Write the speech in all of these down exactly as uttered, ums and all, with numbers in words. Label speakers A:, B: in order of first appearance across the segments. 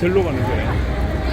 A: 절로 가는 거야.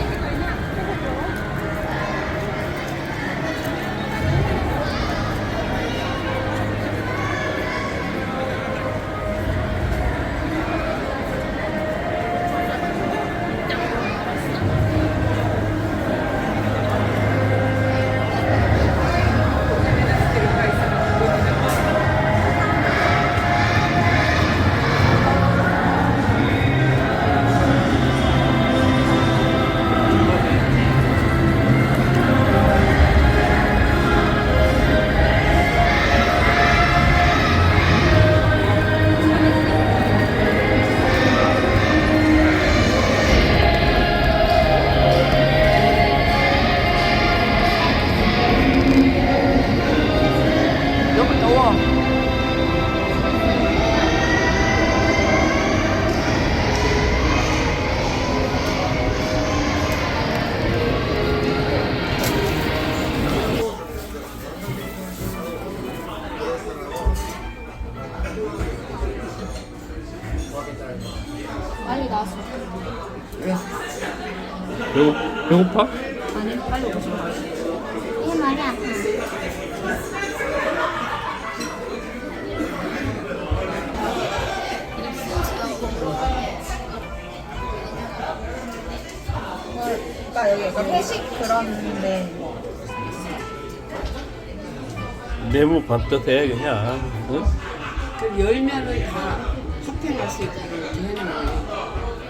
B: 너무 더워.
C: 빨리 나왔어.
B: 왜?
A: 배고, 배고파?
C: 아니, 빨리 오고 싶어. 이게 많이 아파.
B: 그러니까 여기 약간 회식 그런데
A: 네모 반듯해 그냥. 응?
B: 그 열면은 다 쇼핑할 수 있게 이렇게 해놓은 거예요.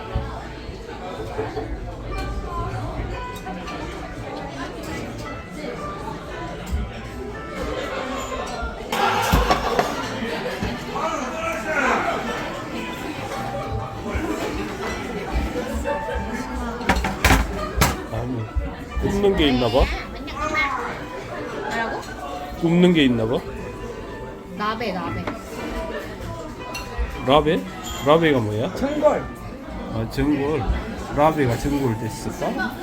A: 아니, 굽는 게 있나 봐.
C: 뭐라고?
A: 굽는 게 있나 봐.
C: 나베, 나베.
A: 라베? 라베가 뭐야?
B: 전골.
A: 아, 전골. 라베가 전골 됐을까?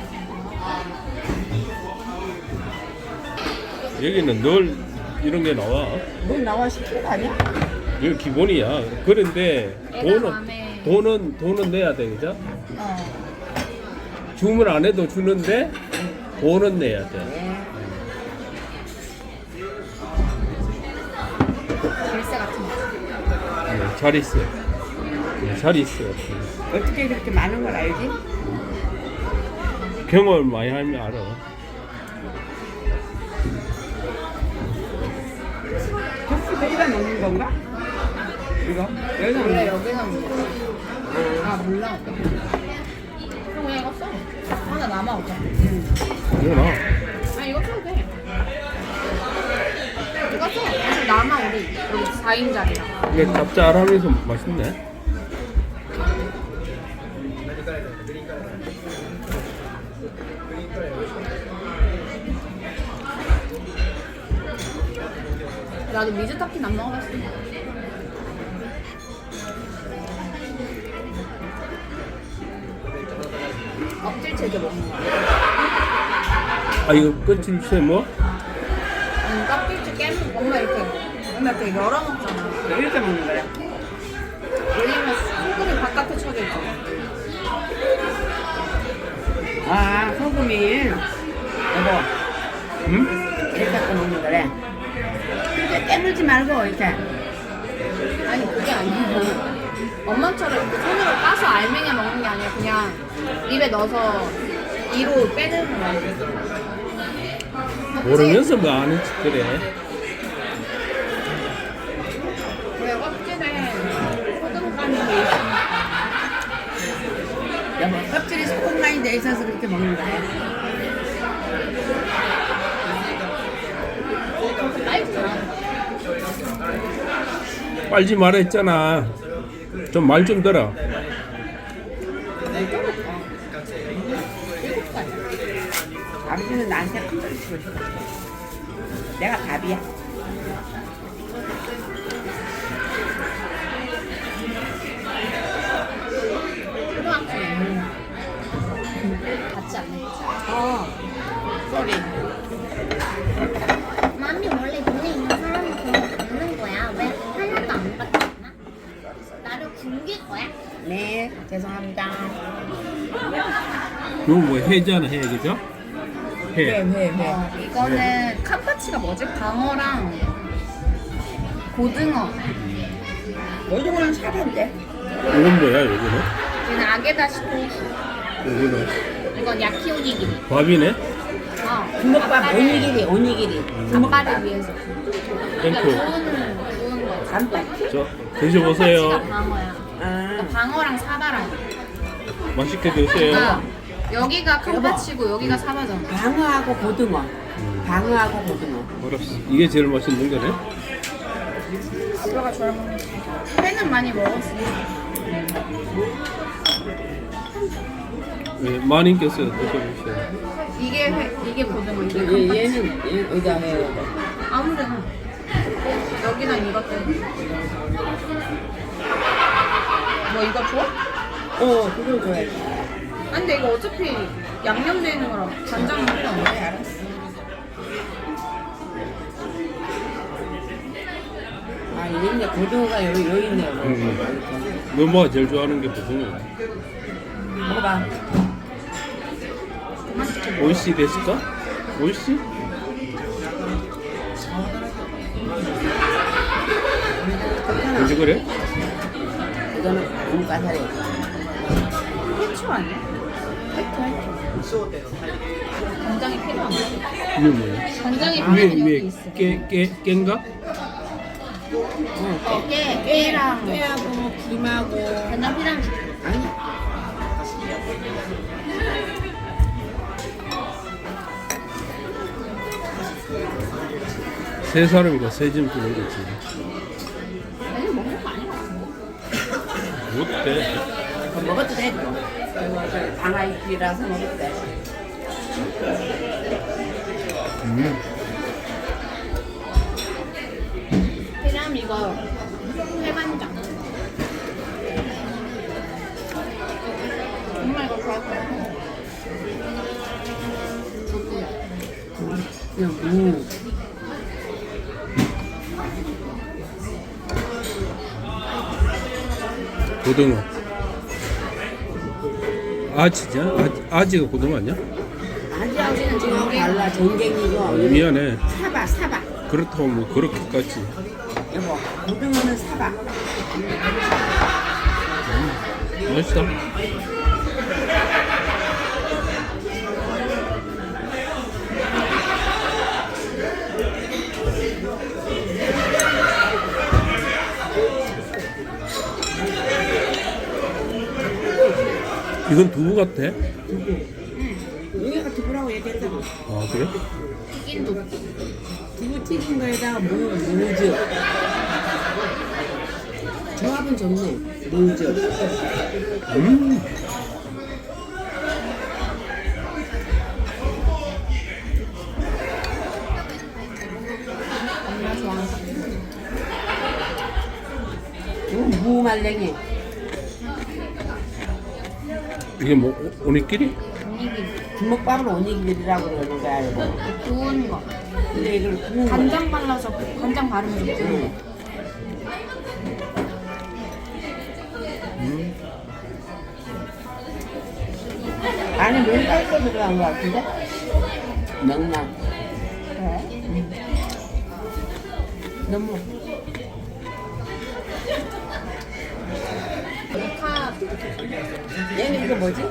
A: 여기는 늘 이런 게 나와.
B: 뭘 나와 시킨 거 아니야?
A: 이거 기본이야. 그런데
C: 애가
A: 돈은
C: 마음에-
A: 돈은 돈은 내야 돼, 그죠?
B: 어.
A: 주문 안 해도 주는데 돈은 내야 돼.
B: 네.
C: 열쇠 같은 거.
A: 네, 잘 있어. 네, 잘 있어.
B: 어떻게 그렇게 많은 걸 알지?
A: 경험을 많이 하면 알아.
B: 접시도 이거 넣는 건가? 이거? 여기서
C: 원래
B: 넣는 거?
C: 여기서 먹는 아, 몰라. 그럼 그냥 이거 써. 하나 남아, 어차피.
A: 이거 나.
C: 아, 이거 써도 돼. 이거 써. 어차피 남아, 우리. 여기 사 인짜리라.
A: 이게 짭짤하면서 맛있네.
C: 나도 미즈 타킨 안 먹어봤어. 껍질째 이렇게 먹는 거야.
A: 아, 이거 끝일새 뭐?
C: 응, 껍질째 깨면 엄마 이렇게 엄마 이렇게 열어 먹잖아.
B: 이렇게 먹는 거야?
C: 왜냐면 소금이 바깥에 쳐져 있잖아.
B: 아, 소금이. 여보,
A: 응?
B: 이렇게 갖고 먹는 거래. 이렇게 깨물지 말고, 이렇게.
C: 아니 그게 아니고 엄마처럼 이렇게 손으로 까서 알맹이 먹는 게 아니라 그냥 입에 넣어서 이로 빼는 거야.
A: 모르면서 뭐 아는 척 그래.
C: 왜 껍질에 소금 까는 게 있으니까.
B: 여보, 껍질이 소금 많이 돼 있어서 그렇게 먹는 거야.
C: 빨잖아.
A: 빨지 말아 했잖아. 좀 말 좀 들어.
B: 아버지는 나한테 큰 소리 치고 싶어. 내가 답이야.
C: 초등학생 같지 않네.
B: 어, 쏘리.
D: 맘이 원래 눈에 있는 사람은 그런 거 받는 거야. 왜 하나도 안 받잖아? 나를 굶길 거야?
B: 응. 네, 죄송합니다.
A: 이거 뭐 회잖아 해 그죠?
B: 회,
A: 회.
B: 회, 회.
C: 어, 이거는 캄파치가 뭐지? 방어랑 고등어.
B: 요즘은 사던데.
A: 이건 뭐야 여기는?
C: 얘는 아게다시 토fu.
A: 여기는
C: 이건 야키오니기리.
A: 밥이네?
C: 어.
B: 주먹밥
C: 아빠를-
B: 오니기리, 오니기리.
C: 아빠를 위해서. 그러니까
A: 땡큐.
C: 구운 구운 거.
B: 단팥.
A: 저 드셔보세요.
C: 캄파치가 방어야.
B: 아,
C: 그러니까 방어랑 사바랑.
A: 맛있게 드세요.
C: 그러니까 여기가 캄파치고 여기가 사바잖아.
B: 방어하고 고등어. 방어하고 고등어.
A: 알았어. 이게 제일 맛있는 거네.
C: 아빠가 좋아하는 거. 회는 많이 먹었어.
A: 네, 마님께서 드셔보세요.
C: 이게 회, 이게 고등어, 이게
B: 얘,
C: 캄파치.
B: 얘는 얘 어디다 해야 돼?
C: 아무데나. 여기랑 이것 때문에. 뭐 이거 좋아?
B: 어, 그걸 줘야지.
C: 아니 근데 이거 어차피 양념돼 있는 거라 간장은 필요 없네.
B: 알았어. 아, 있네. 고등어가 여기, 여기 있네요.
A: 음. 너 뭐가 제일 좋아하는 게 무슨 거야?
B: 먹어봐.
A: 오이시 데스까? 오이시? 그지 그래?
B: 이거는 돈가사리.
C: 해초 아니야? 해초 해초. 간장이 필요한가?
A: 이게 뭐야?
C: 간장이
A: 위에
C: 필요한
A: 위에
C: 여기 있어.
A: 깨, 깨, 깨인가?
C: 어, 깨, 깨랑
B: 깨하고 김하고.
C: 간장 필요한 줄.
B: 아니.
A: 세 사람이가 세점 주는 거지.
C: 아니 먹는 거 아니야?
A: 못돼.
B: 그거 먹어도 돼. 그거 방아잎이라서 먹어도 돼.
A: 음.
C: 필요하면 이거 해간장. 엄마 이거 좋아할 거야.
B: 그냥 무.
A: 고등어. 아지냐? 아, 아지가 고등어 아니야?
B: 아지하고는 지금 달라. 전갱이고.
A: 미안해.
B: 사바, 사바.
A: 그렇다고 뭐 그렇게까지.
B: 여보, 고등어는 사바.
A: 맛있다. 이건 두부 같아?
B: 여기가 두부라고 얘기했잖아.
A: 아 그래?
C: 튀긴 두부.
B: 두부 튀긴 거에다가 무, 무즙. 조합은 좋네. 무즙.
A: 음.
C: 엄마 좋아하는 거.
B: 이건 무말랭이.
A: 이게 뭐 오- 오니끼리?
C: 오니기리.
B: 주먹밥을 오니기리라고 그러는 거야, 이거.
C: 구운 거.
B: 근데 이걸 구운 거.
C: 간장 발라서 간장 바르면서 구운
B: 응.
C: 거.
A: 음.
B: 안에 면발도 들어간 거 같은데? 명란.
C: 그래?
B: 너무.
C: 파
B: 얘는 이거 뭐지?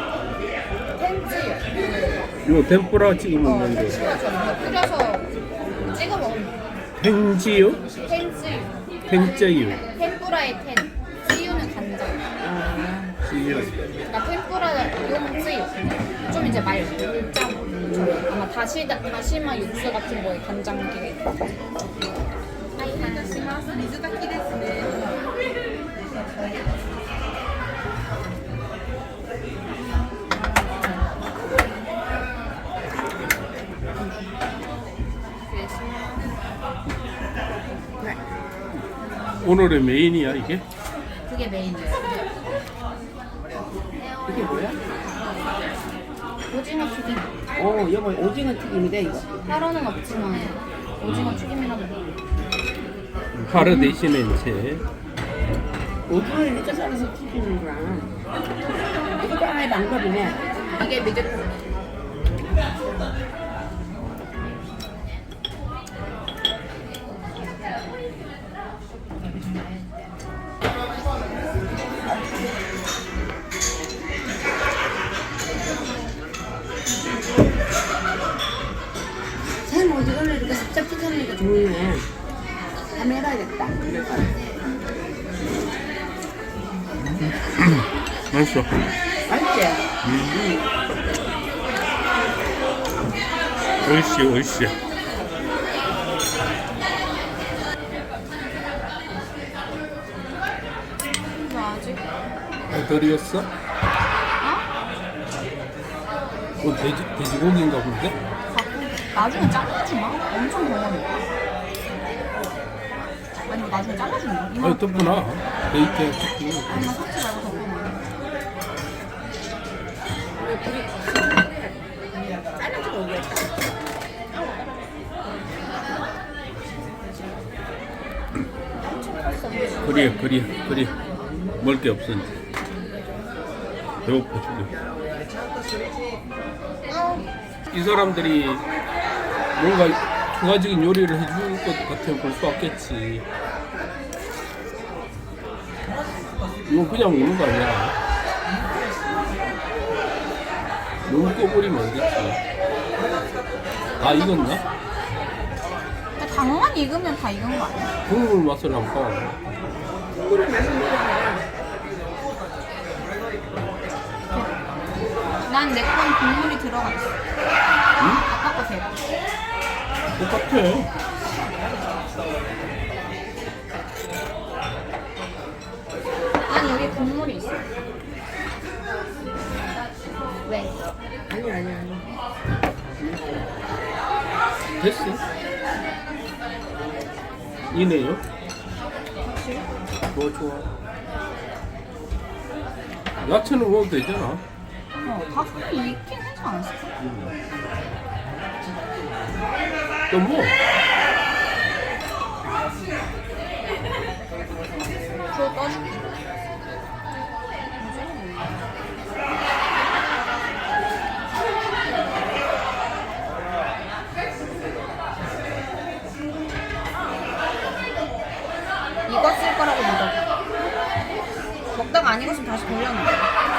C: 텐츠.
A: 이거 템뿌라 찍어
C: 어,
A: 먹는 거.
C: 텐츠가 저거 뿌려서 찍어 먹으면 돼.
A: 팽지요?
C: 텐츠.
A: 팽짜유.
C: 템뿌라의 텐. 찌유는 간장.
B: 아,
A: 찌유.
C: 그러니까 템뿌라 용 찌유. 좀 이제 말 짜. 아마 다시 다시마 육수 같은 거에 간장게. 아이 하나시마스 미즈다키 데스네.
A: 오늘의 메인이야 이게?
C: 그게 메인이야.
B: 이게 뭐야?
C: 오징어 튀김.
B: 어, 여보, 오징어 튀김이래, 이거.
C: 하루는 없지만 오징어 튀김이라고.
A: 하루 대신에 이제
B: 오징어 이렇게 썰어서 튀기는구나. 이것도 하나의 방법이네.
C: 이게 미제품.
B: 생 오징어를 이렇게 살짝 튀겨내니까 좋네. 한번 해봐야겠다.
A: 맛있어.
B: 맛있지?
A: 오이시 오이시.
C: 이거 아직?
A: 어, 덜 익었어?
C: 어?
A: 어, 돼지, 돼지고기인가 본데?
C: 갖고 나중에 잘라주나? 엄청 병원해. 아니 뭐 나중에 잘라주나? 이거
A: 아니, 덮구나. 베이컨 덮고.
C: 아니 나 섞지 말고 덮어놔.
B: 잘라주고 오겠다.
A: 그래, 그래, 그래. 먹을 게 없어, 이제. 배고파 죽여. 이 사람들이 뭔가 추가적인 요리를 해줄 것 같으면 볼 수 없겠지. 이건 그냥 먹는 거 아니야. 너무 꺼버리면 안 되지. 다 익었나?
C: 근데 당만 익으면 다 익은 거 아니야?
A: 국물 맛을 한번 봐.
B: 국물을 마시는 거야.
C: 난 내 건 국물이 들어가 있어.
A: 응?
C: 아까 거 대박.
A: 똑같아.
C: 난 여기 국물이 있어. 왜?
B: 아니 아니 아니.
A: 됐어. 이네요. 좋아 좋아. 야채는 먹어도 되잖아.
C: 어, 닭이 익긴 하지 않았어?
A: 또 뭐?
C: 저 떠줄게. 익었을 거라고 믿어. 먹다가 안 익었으면 다시 돌려놔.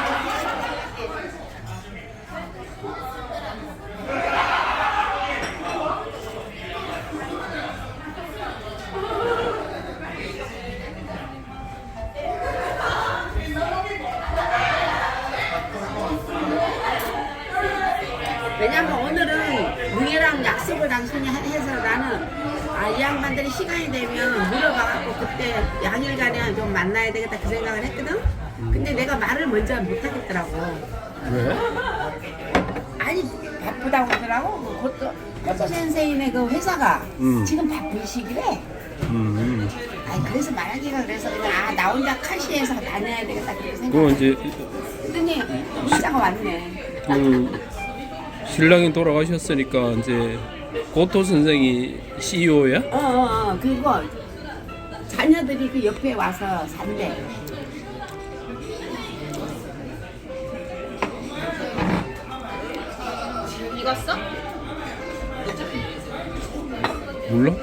B: 왜냐면 오늘은 응애랑 약속을 당신이 해서 나는 아, 이 양반들이 시간이 되면 물어봐갖고 그때 양일간에 좀 만나야 되겠다 그 생각을 했거든? 근데 내가 말을 먼저 못 하겠더라고.
A: 왜?
B: 아니 바쁘다고 하더라고. 그것도 코토 센세이네 그 회사가
A: 음.
B: 지금 바쁜 시기래.
A: 음.
B: 아니 그래서 말하기가 그래서 그냥 아, 나 혼자 카시에서 다녀야 되겠다 그렇게
A: 그거
B: 생각했더니
A: 이제
B: 문자가 왔네.
A: 그 신랑이 돌아가셨으니까 이제 고토 선생이 씨이오야?
B: 어어어 어, 어. 그리고 자녀들이 그 옆에 와서 산대.
C: 익었어?
A: 몰라?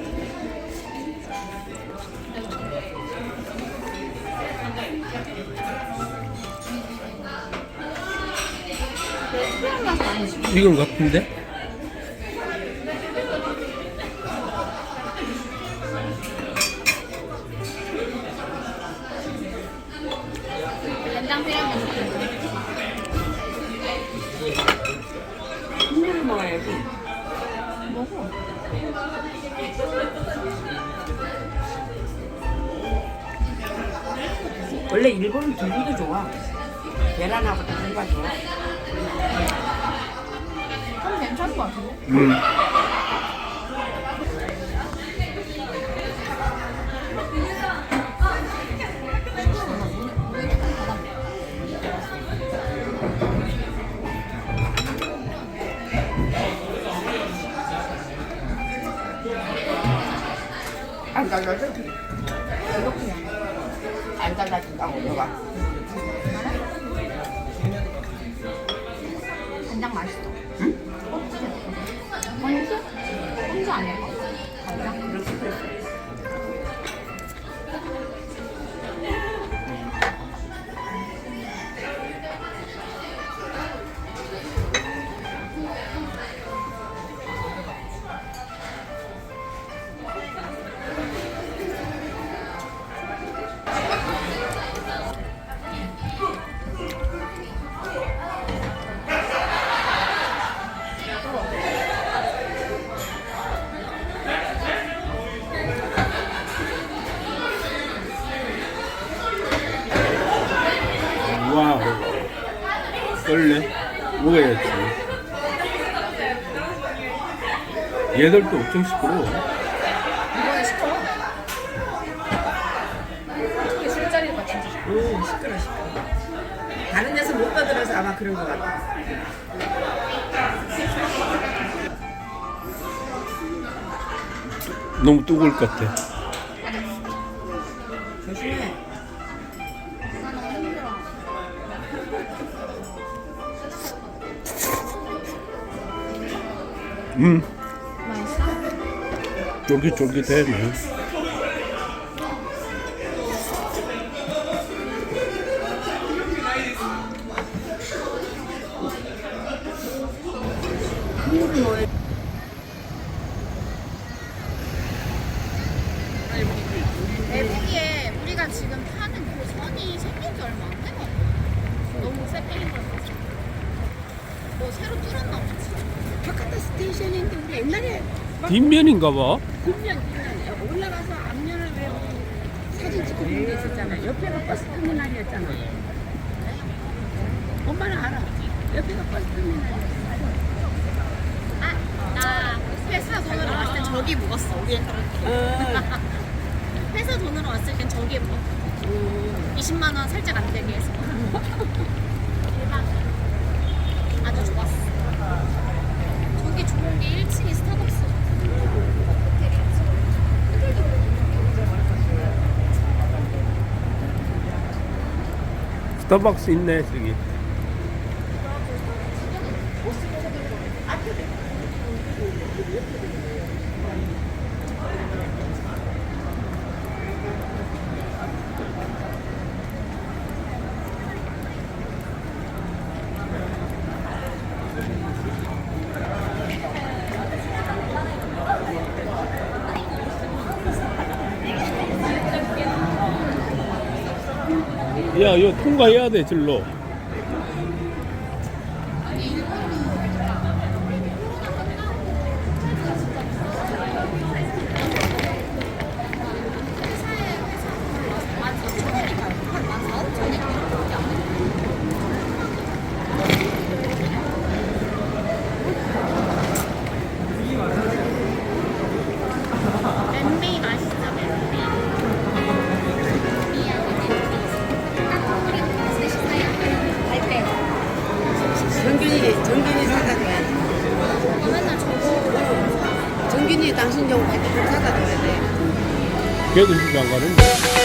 C: 특별한 맛은 아니지.
A: 이건 같은데?
C: 된장 필요하면 좋겠네.
B: 국물을 먹어야지.
C: 먹어.
B: 원래 일본은 두부도 좋아. 계란하고 두부가 좋아.
C: 좀 괜찮을 것 같은데?
A: 음.
B: 아, 나, 나, 나,
C: 이렇게.
B: 안 잘라준다고 너가.
C: 간장 맛있어. 응? 건수? 건수 아닐까? 간장?
A: 와우. 썰래? 먹어야지. 얘들도 엄청 시끄러워.
C: 이번에 시켜. 특히 술자리가 진짜 시켜.
B: 오 시끄러 시끄러. 다른 데서 못 떠들어서 아마 그런 것 같아.
A: 너무 뜨거울 것 같아.
B: 조심해.
C: 나 너무 힘들어.
A: 음,
C: 맛있어?
A: 쫄깃쫄깃해.
C: 대북이에 우리가 지금 타는 그 선이 생긴 지 얼마 안 돼가지고 너무 쎄빼인 걸 봤어. 뭐 새로 뚫었나 보지.
B: 바카타 스테이션인데 우리 옛날에
A: 뒷면인가 봐.
B: 뒷면 뒷면 올라가서 앞면을 왜 우리 사진 찍고 있는 데 있었잖아. 옆에가 버스 터미널이었잖아. 엄마는 알아. 옆에가 버스 터미널이었어.
C: 아, 나 회사 돈으로 왔을 땐 저기 묵었어. 우리
B: 어.
C: 회사 돈으로 왔을 땐 저기에 묵었어. 이십만 원 살짝 안 되게 해서. 대박. 아주 좋았어. 저기 좋은 게 일 층이 스타벅스. 호텔 일 층.
A: 스타벅스 있네, 저기. 야, 이거 통과해야 돼, 절로.
C: 멘비 맛있어, 멘비.
B: 정균이 정균이 사다 줘야 돼.
C: 맨날 저거
B: 정균이 당신 좀 사다 줘야 돼.
A: 걔도 집에 안 가는데.